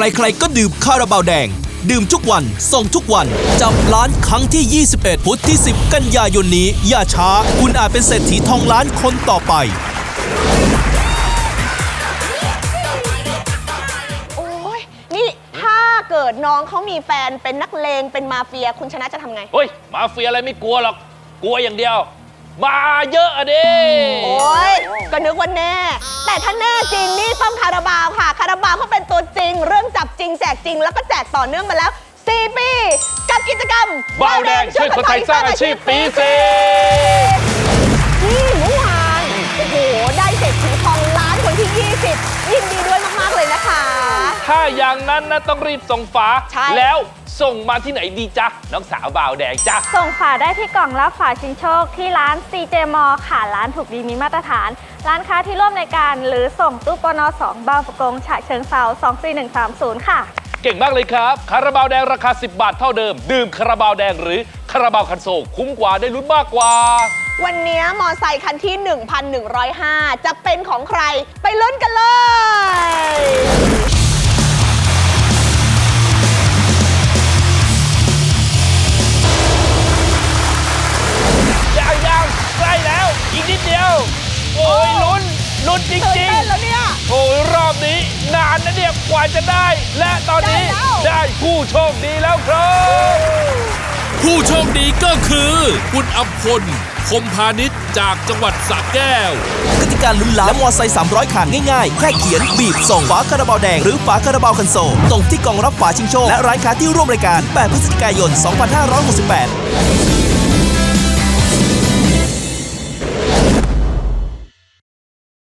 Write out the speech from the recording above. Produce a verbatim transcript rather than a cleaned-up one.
ใครๆก็ดื่มคาราบาวแดงดื่มทุกวันส่งทุกวันจับล้านครั้งที่ยี่สิบเอ็ดพุธที่สิบกันยายนนี้อย่าช้าคุณอาจเป็นเศรษฐีทองล้านคนต่อไปโอ้ยนี่ถ้าเกิดน้องเขามีแฟนเป็นนักเลงเป็นมาเฟียคุณชนะจะทำไงเฮ้ยมาเฟียอะไรไม่กลัวหรอกกลัวอย่างเดียวมาเยอะอะดิโอ้ยก็นึกว่าแน่แต่ถ้าแน่จริงนี่ต้องคาราบาวค่ะคาราบาวเขาเป็นตัวจริงเรื่องจับจริงแจกจริงแล้วก็แจกต่อเนื่องมาแล้วสี่ปีกับกิจกรรมบาวแดงช่วยคนไทยสร้างอาชีพปีสี่นี่เมื่อวานโอ้โหได้เศรษฐีทองล้านคนที่ยี่สิบยินดีด้วยมากๆเลยนะคะถ้าอย่างนั้นนะต้องรีบส่งฝาแล้วส่งมาที่ไหนดีจ๊ะน้องสาวบ่าวแดงจ๊ะส่งฝาได้ที่กล่องรับฝาชิงโชคที่ร้าน ซี เจ มอ ค่ะร้านถูกดีมีมาตรฐานร้านค้าที่ร่วมในการหรือส่งตู้ปนสองบางประกงฉะเชิงเทราสองสี่หนึ่งสามศูนย์ค่ะเก่งมากเลยครับคาราบาวแดงราคาสิบบาทเท่าเดิมดื่มคาราบาวแดงหรือคาราบาวคันโซลคุ้มกว่าได้ลุ้นมากกว่าวันนี้มอไซค์คันที่ หนึ่งพันหนึ่งร้อยห้า จะเป็นของใครไปลุ้นกันเลยยังยังใกล้แล้วอีกนิดเดียวโอ้ยลุ้นลุ้นจริงจริงแล้วเนี่ยโอ้ยรอบนี้นานนะเนี่ยกว่าจะได้และตอนนี้ได้ผู้โชคดีแล้วครับผู้โชคดีก็คือคุณอัมพลคมพาณิชย์จากจังหวัดสระแก้วกติกาลุ้นล้านและมอไซค์สามร้อยคันง่ายๆแค่เขียนบีบส่งฝาคาราบาวแดงหรือฝาคาราบาวคันโซลส่งที่กล่องรับฝาชิงโชคและร้านค้าที่ร่วมรายการแปดพฤศจิกายนสองพันห้าร้อยหกสิบแปด